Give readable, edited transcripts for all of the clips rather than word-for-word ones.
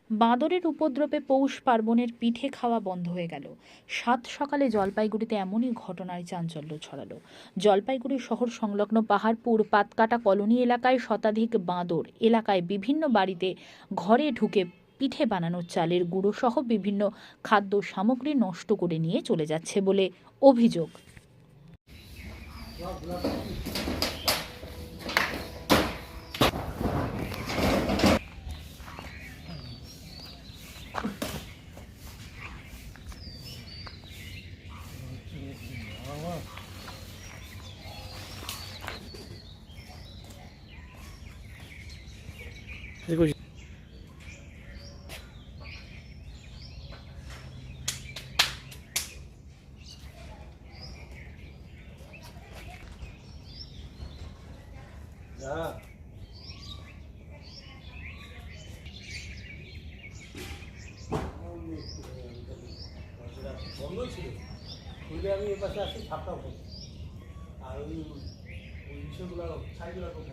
বাঁদরের উপদ্রবে পৌষ পার্বণের পিঠে খাওয়া বন্ধ হয়ে গেল। সাত সকালে জলপাইগুড়িতে এমনই ঘটনায় চাঞ্চল্য ছড়ালো। জলপাইগুড়ি শহর সংলগ্ন পাহাড়পুর পাতকাটা কলোনি এলাকায় শতাধিক বাঁদর এলাকায় বিভিন্ন বাড়িতে ঘরে ঢুকে পিঠে বানানোর চালের গুঁড়ো সহ বিভিন্ন খাদ্য সামগ্রী নষ্ট করে নিয়ে চলে যাচ্ছে বলে অভিযোগ। বন্ধই ছিল খুলে আমি এ পাশে আসি ছাপটাও করছি আর ওই বিষয়গুলো ছাইগুলো কোথায়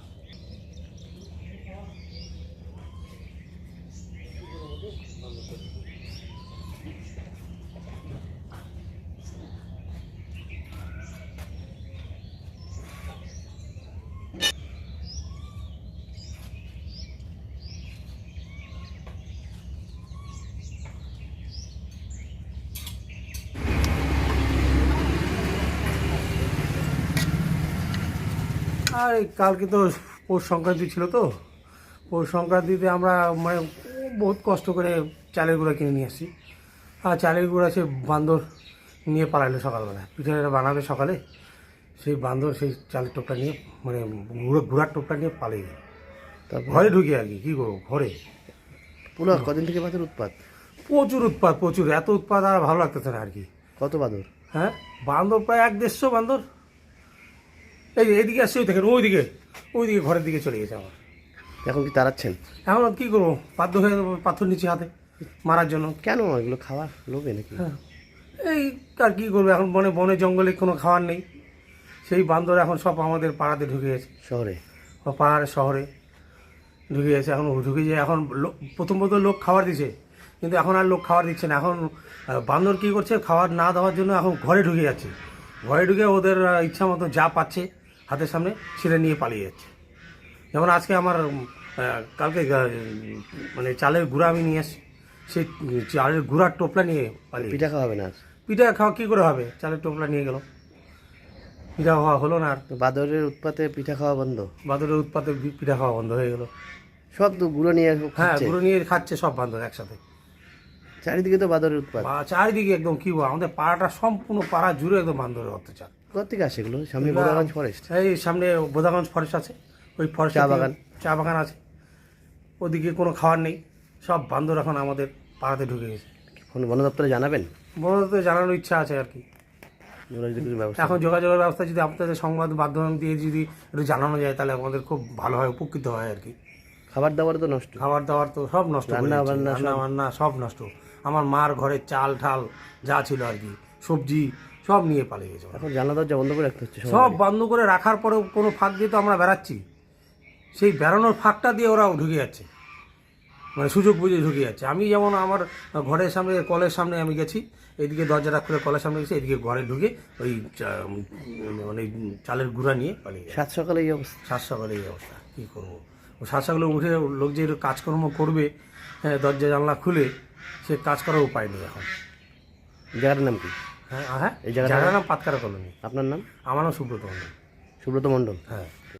আর এই কালকে তো পৌষ সংক্রান্তি ছিল, তো পৌষ সংক্রান্তিতে আমরা মানে বহুত কষ্ট করে চালের গুঁড়া কিনে নিয়ে আসি। আর চালের গুঁড়া সে বান্দর নিয়ে পালাইলো সকালবেলা, পিঠেটা বানাবে সকালে, সেই বান্দর সেই চালের টোপটা নিয়ে মানে গুঁড়ার টোপটা নিয়ে পালিয়ে গেল। ঘরে ঢুকে আর কি কী করবো, ঘরে পুরো কদিন থেকে বাঁদর উৎপাত? প্রচুর উৎপাত, প্রচুর, এত উৎপাত আর ভালো লাগতেছে না আর কি। কত বাঁদর? হ্যাঁ, বান্দর প্রায় 1-150 বান্দর। এই যে এদিকে আসছে, ওই দেখেন ওইদিকে ঘরের দিকে চলে গেছে আমার। এখন কি তাড়াচ্ছেন? এখন কী করবো, বাধ্য হয়ে যাবো পাথর নিচে হাতে মারার জন্য। কেন এগুলো খাওয়া লোভে নাকি? হ্যাঁ, এই আর কী করবো, এখন বনে জঙ্গলে কোনো খাওয়ার নেই, সেই বান্দর এখন সব আমাদের পাড়াতে ঢুকে গেছে, শহরে পাহাড় শহরে ঢুকে গেছে। এখন ঢুকে যায়, এখন প্রথম লোক খাবার দিছে, কিন্তু এখন আর লোক খাবার দিচ্ছে না। এখন বান্দর কী করছে, খাবার না দেওয়ার জন্য এখন ঘরে ঢুকে যাচ্ছে। ঘরে ঢুকে ওদের ইচ্ছা মতো যা পাচ্ছে হাতের সামনে সেটা নিয়ে পালিয়ে যাচ্ছে। যেমন আজকে আমার কালকে মানে চালের গুঁড়া আমি নিয়ে আসি, সেই চালের গুঁড়ার টোপলা নিয়ে পালিয়ে। পিঠা খাওয়াবে না? পিঠা খাওয়া কী করে হবে, চালের টোপলা নিয়ে গেল, পিঠা খাওয়া হলো না। আর তো বাঁদরের উৎপাতে পিঠা খাওয়া বন্ধ? বাঁদরের উৎপাতে পিঠা খাওয়া বন্ধ হয়ে গেল। সব তো গুঁড়ো নিয়ে হ্যাঁ, খাচ্ছে? গুঁড়ো নিয়ে খাচ্ছে সব বান্দর একসাথে। চারিদিকে তো বাঁদরের উৎপাত। চারিদিকে একদম কি বল, আমাদের পাড়াটা সম্পূর্ণ পাড়া জুড়ে একদম বান্দরের অত্যাচার। কোথা থেকে আসে এগুলো? সামনে বোদাগঞ্জ ফরেস্ট? এই সামনে বোদাগঞ্জ ফরেস্ট আছে, ওই ফরেস্ট চা বাগান আছে, ওদিকে কোনো খাবার নেই, সব বান্দর এখন আমাদের পাড়াতে ঢুকে গেছে। ফোন বন দপ্তরে জানাবেন? বড় জানানোর ইচ্ছা আছে আর কি। এখন যোগাযোগের ব্যবস্থা যদি আপনাদের সংবাদ মাধ্যম দিয়ে যদি একটু জানানো যায়, তাহলে আমাদের খুব ভালো হয়, উপকৃত হয় আর কি। খাবার দাবার তো নষ্ট? খাবার দাবার তো সব নষ্ট, রান্না বান্না সব নষ্ট। আমার মার ঘরে চাল ঠাল যা ছিল আর কি, সবজি সব নিয়ে পালিয়ে গেছে। এখন জানলা দরজা বন্ধ করে রাখতে হচ্ছে? সব বন্ধ করে রাখার পরেও কোনো ফাঁক দিয়ে তো আমরা বেড়াচ্ছি, সেই বেড়ানোর ফাঁকটা দিয়ে ওরাও ঢুকে যাচ্ছে, মানে সুযোগ বুঝে ঢুকে যাচ্ছে। আমি যেমন আমার ঘরের সামনে কলের সামনে আমি গেছি, এইদিকে দরজাটা খুলে কলের সামনে গেছি, এদিকে ঘরে ঢুকে ওই মানে চালের গুঁড়া নিয়ে পালিয়ে গেছে। সাত সকালে এই অবস্থা? সাত সকালে এই অবস্থা, কী করবো। সাত সকালে উঠে লোক যে কাজকর্ম করবে, হ্যাঁ, দরজা জানলা খুলে, সে কাজ করার উপায় নেই এখন। জায়গাটার নাম কি? হ্যাঁ, এই জায়গাটার নাম পাতকাটা কলোনি। আপনার নাম? আমার নাম সুব্রত মণ্ডল। সুব্রত মণ্ডল? হ্যাঁ।